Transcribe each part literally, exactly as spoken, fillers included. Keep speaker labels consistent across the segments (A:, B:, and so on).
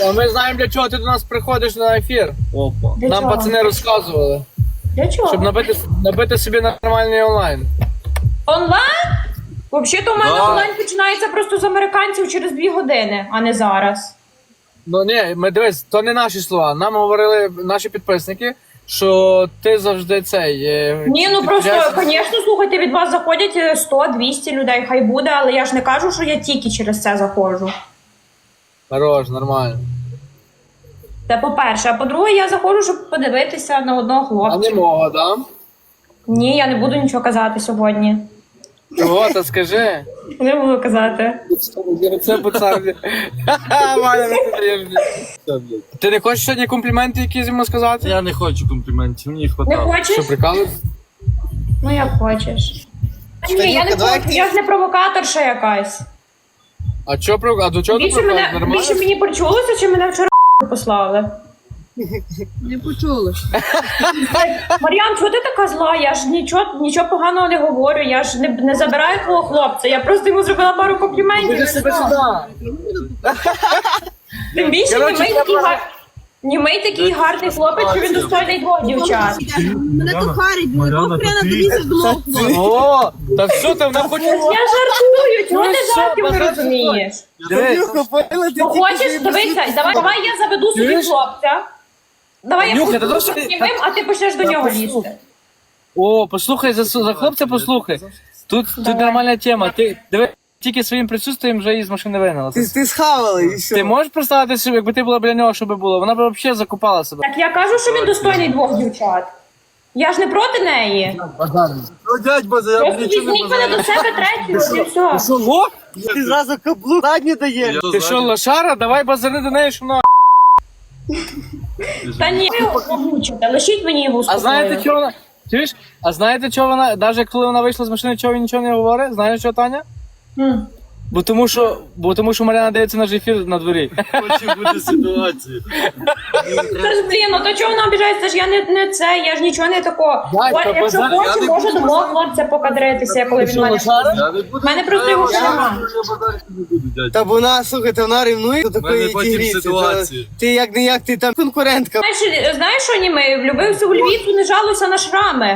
A: А ми знаємо, для чого ти до нас приходиш на ефір.
B: Опа.
C: Для
A: Нам
C: чого?
A: пацани розказували.
C: Для чого?
A: Щоб набити, набити собі нормальний онлайн.
C: Онлайн? Взагалі-то у мене
A: Да.
C: онлайн починається просто з американців через дві години, а не зараз.
A: Ну ні, ми дивись, то не наші слова. Нам говорили наші підписники, що ти завжди цей. е,
C: Ні, ну
A: ти
C: просто,
A: підряд-
C: звісно, слухайте, від вас заходять сто-двісті людей, хай буде, але я ж не кажу, що я тільки через це заходжу.
A: Хорош, нормально.
C: Це по-перше. А по-друге, я заходжу, щоб подивитися на одного
A: А
C: хлопця.
A: не мого, да?
C: Ні, я не буду нічого казати сьогодні.
A: Чого, та скажи.
C: Не буду казати.
A: Це пацан. Ваня, не даєш. Ти не хочеш сьогодні компліменти якісь йому сказати?
B: Я не хочу компліментів, мені
C: Не
B: хватало.
C: хочеш?
A: Що, прикалуєш?
C: Ну як хочеш. Ні, я не
D: Станівка, давай
C: хочу,
D: ти-
C: я ж не провокаторша якась.
A: А чо, про- а до чого ти
C: Більше,
A: прикалуєш?
C: мене,
A: Нормально?
C: більше мені почулося, чи мене вчора послали.
E: Не почула.
C: Мар'ян, чого ти така зла? Я ж нічого, нічого поганого не говорю, я ж не, не забираю твого хлопця, я просто йому зробила пару компліментів.
A: Іди
C: і
A: себе
C: все.
A: сюди.
C: Тим більше
A: Коротше,
C: німей такий, гар... німей такий гарний хлопець, що він достойний двох дівчат.
E: Мене то харить, мене
B: Мар'яна,
E: хрена
B: то ти-
E: тобі з двох.
A: О, та все, ти вона хоче...
C: Я жартую, чого
A: Ну
C: ти
A: що,
C: жартів не
A: базар-
C: розумієш?
A: Дивись,
D: Танюха, поняла, ти
C: Ну
D: тільки
C: хочеш,
D: що
C: дивися, давай, давай я заведу собі
A: Чуєш?
C: хлопця. Давай я
A: Танюха, та
C: буду
A: то що ти-
C: німим, а ти почнеш до
A: Та
C: нього
A: послухай.
C: лізти.
A: О, послухай, за, за хлопця послухай. Тут, тут
C: Давай.
A: нормальна тема. Ти диви, тільки своїм присутствием вже її з машини вигнала.
D: Ти, ти схавала і все.
A: Ти можеш представити собі, якби ти була біля нього, що би було? Вона б взагалі закупала себе.
C: Так я кажу, що він достойний двох дівчат. Я ж не проти неї.
B: Ну, дядь База, я
C: Просто
B: нічого не
C: візьміть мене до
B: бажаю.
C: себе третю, і все.
A: Що, лох?
D: Ти зразу каблук задню даєш.
B: Я
A: Ти що,
B: ззаді.
A: лошара? Давай базари до неї, що вона...
C: Та ні, ви його помучите, лишіть мені його
A: А
C: спокою.
A: знаєте, чого вона... Чуєш? А знаєте, чого вона, навіть коли вона вийшла з машини, чого він нічого не говорить? Знаєш що, Таня?
C: М.
A: Бо тому що, бо тому що Мар'яна дивиться наш ефір на дворі.
B: Хочу бути ситуацію.
C: Це ж, блін, ну то чого вона обіжається? Це ж я не, не це, я ж нічого не такого.
A: Дай,
C: От,
A: та
C: якщо
A: базар,
B: я
C: хоче,
B: не
C: може
B: буду
C: до мого хлопця покадритися, коли
A: Ти
C: він
A: що,
C: мене...
A: лошара?
B: Я не буду.
C: В мене просто його
B: Я-
C: нема.
B: Я базарити не буду, дядь.
D: Та вона, слухайте, вона ревнує до такої
B: мене потім
D: тігріці.
B: ситуації.
D: Та Ти як не як, ти там конкурентка.
C: Знаєш, знаєш, що німи? Влюбився у Львівцю, не жалуйся на шрами.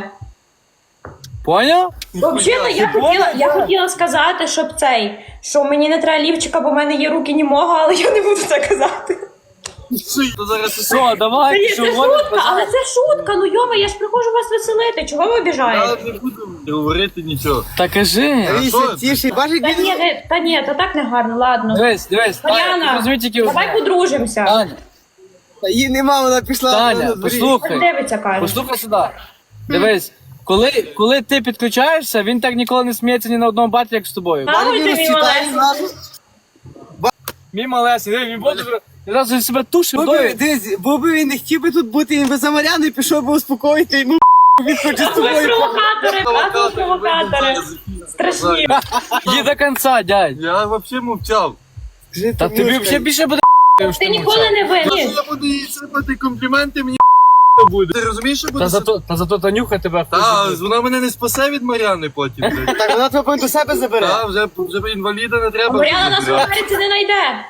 A: Поняв?
C: Взагалі, я хотіла, я хотіла сказати, щоб цей, що мені не треба лівчика, бо в мене є руки німого, але я не буду це казати.
B: То зараз
A: Все, давай,
C: Це,
A: що
C: це
A: говориш,
C: шутка, але це шутка, ну йома, я ж приходжу вас веселити, чого ви
B: я
C: обіжаєте?
B: не буду говорити нічого.
A: Та кажи.
B: А
D: Віся,
B: що?
D: тіші. Бачиш,
C: Та
D: як
C: ні,
D: він...
C: не, та ні, та так не гарно, ладно.
A: Дивись, дивись. Таня, ти
C: Мар'яна,
A: розумій тільки
C: давай
A: одне.
C: подружимося.
A: Таня,
D: Та її нема, вона пішла на
A: Таня,
D: дворі.
A: послухай.
C: Дивиться, каже.
A: Послухай сюди. Дивись, коли, коли ти підключаєшся, він так ніколи не сміється ні на одному баті, як з тобою.
C: А, ой, ти
D: Мінус
C: мій
D: читає
C: малесенький.
D: зразу.
A: Мій малесий, диви, він буде одразу себе тушив.
D: Бо би, дивись, бо би він не хотів би тут бути, він би за Мар'яну пішов би успокоїти, йому він хоче з
C: Ви
D: тобою.
C: провокатори, класні провокатори. Страшні.
A: Є до кінця, дядь.
B: Я взагалі мовчав.
D: Скажи,
A: Та тобі
D: Танюшка,
A: взагалі більше буде що
C: Ти ніколи не
B: Якщо
C: винні.
B: я буду їй сипати компліменти, мені буде. Ти розумієш, що буде?
A: Та зато, та зато Танюха тебе
B: Та,
A: хоче.
B: вона мене не спасе від Мар'яни потім. блядь.
D: Так, вона тебе потім до себе забере.
B: Та, вже, вже інваліда не треба.
C: Мар'яна нас в
B: забирати.
C: Америці не знайде.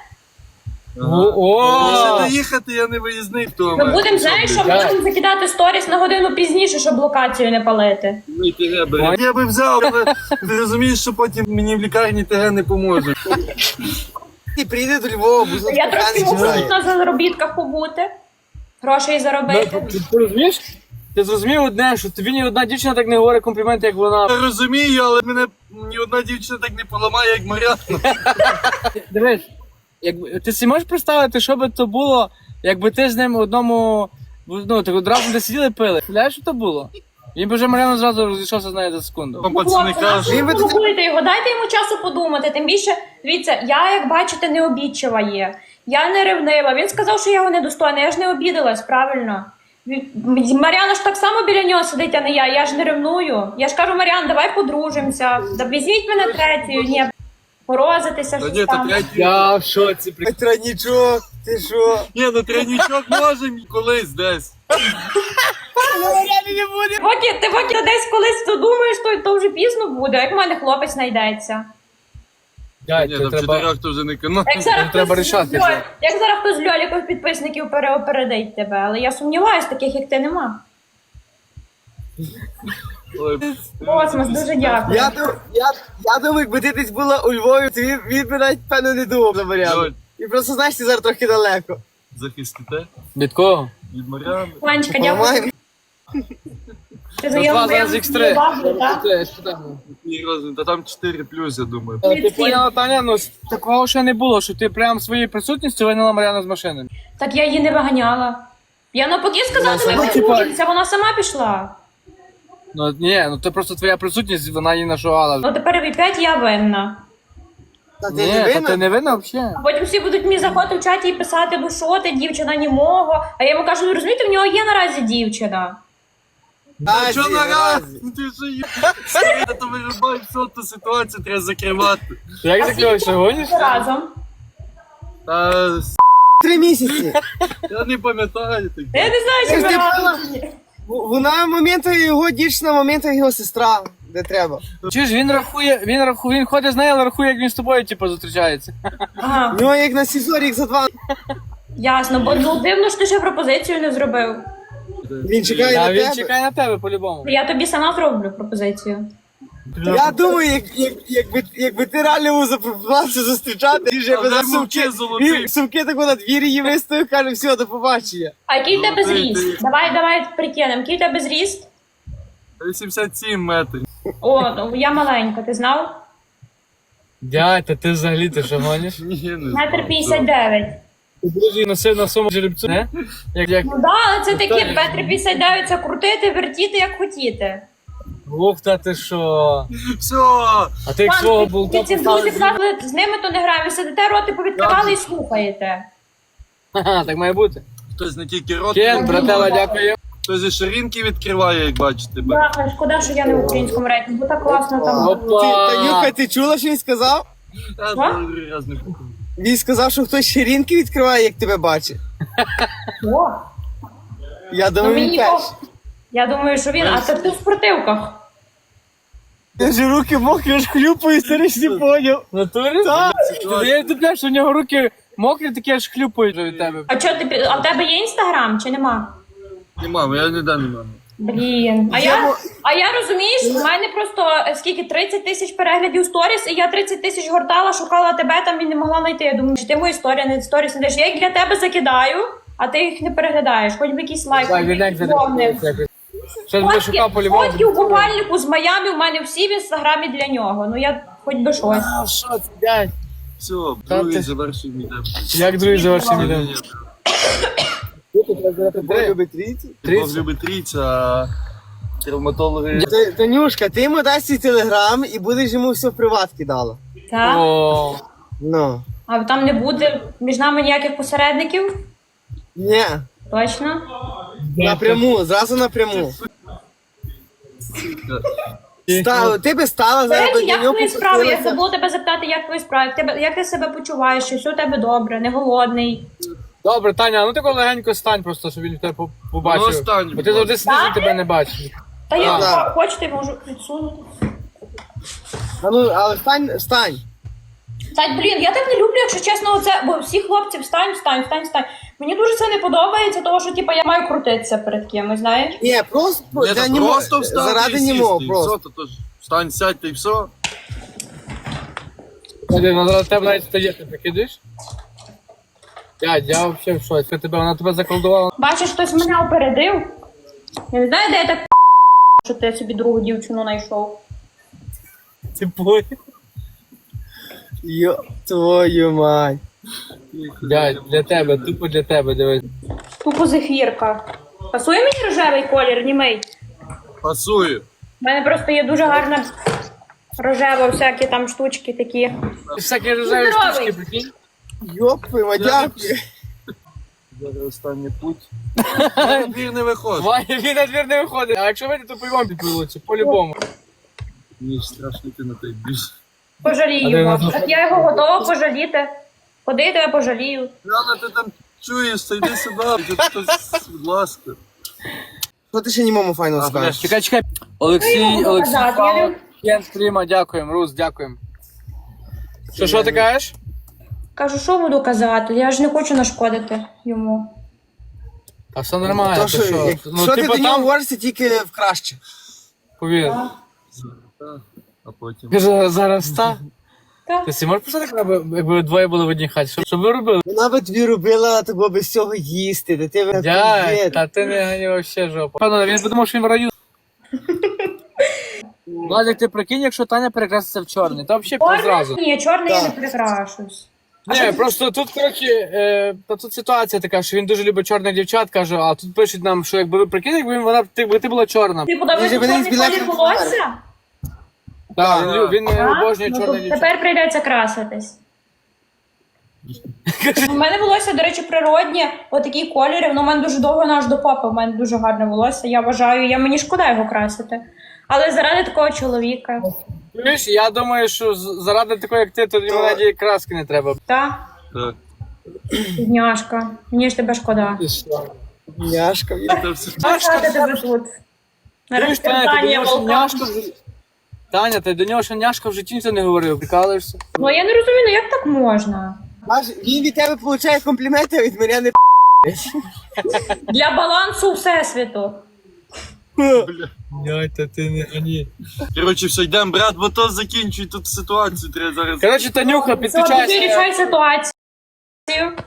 A: О,
B: Лише
A: о.
B: доїхати, я не виїзний в тому.
C: Ми будемо, знаєш, що
A: блядь.
C: будемо закидати сторіс на годину пізніше, щоб локацію не палити.
B: Я би взяв, але ти розумієш, що потім мені в лікарні ТГ не поможе.
D: Ти приїде до Львова, бо
C: Я трошки можу
D: знає.
C: тут на заробітках побути, грошей
A: Ну,
C: заробити.
A: ти, ти розумієш? Ти зрозумів одне, що тобі ні одна дівчина так не говорить компліменти, як вона.
B: Я розумію, але мене ні одна дівчина так не поламає, як Мар'яна.
A: Дивись, якби ти си можеш представити, що би то було, якби ти з ним в одному, ну, так одразу де сиділи пили. Знаєш, що то було? Він би вже Мар'яна зразу розійшовся з нею за секунду.
B: Там пацани
C: Хлопці,
B: кажуть,
D: Він би
C: ви провокуєте його, дайте йому часу подумати. Тим більше, дивіться, я, як бачите, не обідчива є. Я не ревнива. Він сказав, що я його недостойна. Я ж не обідалась, правильно? Він- Мар'яна ж так само біля нього сидить, а не я. Я ж не ревную. Я ж кажу, Мар'ян, давай подружимося. Да візьміть мене третьою. Ні, морозитися,
B: та
C: щось
B: ні, та
C: там.
B: третій.
A: Я в шоці, при...
D: Тройнічок, ти що?
B: Ні, ну тренічок можемо колись десь.
C: Поки, ти поки десь колись то думаєш, то, то вже пізно буде, як в мене хлопець знайдеться.
A: Дядь,
B: Ні,
A: це
B: там
A: треба...
B: чотирьох то вже не канон.
C: Як зараз,
A: треба
C: хтось з
A: рішати
C: Льоль-
A: це.
C: як зараз хтось з Льоліків підписників переопередить тебе, але я сумніваюсь, таких як ти нема.
B: Ой,
C: Космос, дуже дякую.
D: Я, дум- я, я думаю, якби ти десь була у Львові, то він, він би навіть, певно, не думав за Мар'яну.
B: Льоль.
D: І просто, знаєш, ти зараз трохи далеко.
B: захистите
A: Від кого?
B: від Мар'яни.
C: Ванечка, дякую.
D: Поламаємо.
C: Ти
A: Ну,
C: заявив
A: два зараз ікс три.
C: так?
B: Який розмір? Та там чотири плюс, я думаю.
A: Ти поняла, Таня, ну такого ще не було, що ти прям своєю присутністю виняла Мар'яну з машини.
C: Так я її не виганяла. Я навпаки сказала,
A: Ну,
C: що ми
A: типа-
C: подружимося, вона сама пішла.
A: Ну ні, ну це просто твоя присутність, вона її нашувала.
C: Ну тепер опять я винна.
D: Та ти
A: Ні,
D: не
A: та
D: винна?
A: ти не винна взагалі.
C: А потім всі будуть мені заходити в чаті і писати, ну що ти, дівчина німого. А я йому кажу, ви розумієте, в нього є наразі дівчина.
D: Та,
B: Що
D: ти,
B: на раз?
D: наразі.
B: Ну ти що є? Я то вирубаю всю ту ситуацію, треба закривати.
A: Як закриваєш, що гониш?
C: Разом.
B: Та с**,
D: Три місяці.
B: я не пам'ятаю так.
C: Я не знаю,
D: Ти
C: чи
D: ж
C: ми
D: не
C: разом.
D: В- Вона моменту його дівчина, моменту його сестра, де треба.
A: Чи ж він рахує, він рахує, він ходить з нею, але рахує, як він з тобою, типу, зустрічається.
C: Ага,
D: В нього як на СІЗО рік за два.
C: ясно, бо ну, дивно, що ти ще пропозицію не зробив.
D: Він чекає
A: А
D: на
A: він
D: тебе.
A: чекає на тебе по-любому.
C: Я тобі сама зроблю пропозицію.
D: Я думаю, як, як, якби, якби ти реально його запропонувався зустрічати, він же
B: А
D: би за
B: дай
D: сумки,
B: мовчи, золотий.
D: він сумки таку на двір її виставив, каже, все, до побачення.
C: А який в тебе
B: Ну, ти-
C: зріст?
B: ти-
C: Давай, давай прикинемо, який в тебе зріст?
B: вісімдесят сім метрів.
C: О, ну, я маленька, ти знав?
A: Дядь, та ти взагалі ти що гониш?
B: Ні, не
C: Метр
B: знаю,
C: п'ятдесят дев'ять.
A: Ти будеш її носив на своєму жеребцю, не? Як, як,
C: Ну да, але це таке, метр п'ятдесят дев'ять, це крутити, вертіти, як хотіти.
A: ух, та ти що?
B: Все,
A: А ти як свого
C: Пан,
A: болта
C: ви ці
A: поставив?
C: друзі казали, з ними то не граємо, сидите, роти повідкривали і слухаєте.
A: Ага, так має бути.
B: хтось не тільки рот,
A: Кен, братела, дякую.
B: хтось і ширинки відкриває, як бачите.
C: Да, шкода, що я не в українському рейтингу, бо так класно там.
A: Опа.
C: було.
D: Ти, Танюха, ти чула, що він сказав?
B: Я
C: Що?
B: другий раз не покажу.
D: Він сказав, що хтось ширинки відкриває, як тебе бачить.
C: О,
D: Я
C: ну
D: думаю, він
C: мені
D: перший.
C: о, я думаю, що він, а це ти в спортивках.
D: Я ж руки мокрі, аж хлюпаю, старий не поняв.
A: В натурі?
D: Так.
A: Ти я тупляю, що у нього руки мокрі, такі аж хлюпають від тебе.
C: А що ти, пі- а в тебе є інстаграм чи нема?
B: Нема, я ніде не маю.
C: Блін. А я, а я розумієш, в мене просто е, скільки тридцять тисяч переглядів сторіс, і я тридцять тисяч гортала, шукала тебе там і не могла знайти. Я думаю, що ти мої історія, не сторіс не даєш. Я їх для тебе закидаю, а ти їх не переглядаєш. Хоч би якийсь лайк.
A: Так, віддай за
C: вогнив.
A: Що тебе шукав по-любому?
C: Фотки у купальнику з Майами в мене всі в інстаграмі для нього. Ну я хоч би щось.
A: А, що це, дядь?
B: Все,
A: Та
B: другий
A: ти-
B: завершив мій день.
A: Як другий завершив відео?
B: Ні, ні,
D: Бог любить трійці.
B: Бог любить трійця, а травматологи...
D: Та- Танюшка, ти йому дасть свій телеграм і будеш йому все в приват кидала.
C: Так?
A: О,
D: Ну.
C: А там не буде між нами ніяких посередників?
D: Ні,
C: Точно?
D: напряму, зразу напряму. Став, ти би стала
C: До
D: зараз
C: речі,
D: до
C: як
D: нього
C: твої справи? Я
D: попросилася.
C: забула тебе запитати, як твої справи? Як тебе, як ти себе почуваєш? Чи все у тебе добре, не голодний?
A: добре, Таня, ну ти легенько стань просто, щоб він тебе по-
B: Ну,
A: побачив.
B: стань,
A: Бо ти
B: будь
A: завжди сидиш, він тебе не бачиш.
C: Та я
D: Так.
C: хочете, можу підсунути.
D: А ну, але встань, встань.
C: Так, блін, я так не люблю, якщо чесно, оце, бо всі хлопці встань, встань, встань, встань. Мені дуже це не подобається, тому що типу, я маю крутитися перед кимось, знаєш?
D: Ні, просто,
B: Ні,
D: для
B: та
D: нього-
B: просто встати
D: заради
B: і сісти,
D: нього,
B: і
D: просто.
B: все, то то ж встань, сядь, та й все.
A: Один, вона зараз тебе навіть стає, ти прикидаєш? Дядь, я взагалі в шоці. Тебе, вона тебе заколдувала.
C: Бачиш, хтось мене опередив. Я не знаю, де я так що ти собі другу дівчину знайшов.
A: Ти понял?
D: Йо, твою мать.
A: Дядь, для тебе, тупо для тебе, дивись.
C: Тупо зефірка. Пасує мені рожевий колір, німий?
B: Пасую.
C: У мене просто є дуже гарна рожева, всякі там штучки такі.
A: Всякі рожеві
C: Здоровий.
A: штучки, прикинь.
D: Йоп, твою мать, дякую.
B: Зараз останній путь. Я двір не виходить.
A: Ваня, він на двір не виходить. А якщо вийде, то по-любому підпилиться, по-любому.
B: Мені ж страшно йти на той біж.
C: Пожалію
A: Але
C: його.
A: на-
C: Так я його готова пожаліти. Ходи, я тебе пожалію.
B: Рано ти там чуєш, та йди сюди, тут хтось, будь ласка.
D: Що ти ще німому файно
B: А,
D: скажеш?
A: Чекай, чекай.
C: Ну, його
A: Олексій, Олексій,
C: показати, я
A: Павло,
C: люблю.
A: Кен стріма, дякуємо, Рус, дякуємо. Що, що ти кажеш?
C: Кажу, що буду казати? Я ж не хочу нашкодити йому.
A: Та все нормально,
D: То,
A: ти
D: що,
A: що?
D: як-
A: Ну,
D: що ти
A: типу,
D: до нього
A: там,
D: говориш, це тільки в краще.
A: повір.
B: А потім.
A: Каже, зараз та.
C: Так.
A: Ти си можеш писати, якби, якби двоє були в одній хаті? Що, що ви робили?
D: Вона би тобі робила того без цього їсти, де ти би
A: Дядь, та ти не гані вообще жопа. Певно, він подумав, що він в раю. Владик, ти прикинь, якщо Таня перекраситься в чорний, то взагалі зразу.
C: Ні, чорний я не
D: Так.
C: прикрашусь.
A: Ні, просто тут, коротше, е, та тут ситуація така, що він дуже любить чорних дівчат, каже, а тут пишуть нам, що якби ви прикинь, якби він- вона, ти, якби ти була чорна.
C: Ти подобається
D: Він же
C: чорний
D: мене
C: колір
D: збілечив
C: волосся?
A: Так, він, лю- він е,
C: А?
A: обожнює
C: Ну,
A: чорних
C: то
A: дівчат.
C: тепер прийдеться краситись. У мене волосся, до речі, природнє, отакі кольори, воно в мене дуже довго аж до попи, у мене дуже гарне волосся, я вважаю, я мені шкода його красити. Але заради такого чоловіка,
A: Чуєш, я думаю, що з- заради такої, як ти, то йому навіть краски не треба.
C: та,
B: Так.
C: бідняшка, мені ж тебе шкода.
D: Няшка.
B: Це все.
C: Чекати тебе тут. На
A: Чуєш, Таня, ти до
C: розпитання
A: нього ще
C: волка.
A: няшка в житті. Таня, ти до нього ще няшка в житті ніхто не говорив, прикалуєшся?
C: Ну я не розумію, ну як так можна?
D: Аж він від тебе получає компліменти, а від мене не
C: Для балансу всесвіту.
A: Ой, та ти не гані.
B: Коротше, все, йдемо, брат, бо то закінчуй тут ситуацію, треба зараз.
A: Коротше, Танюха,
C: Все,
A: підключайся.
C: рішай ситуацію.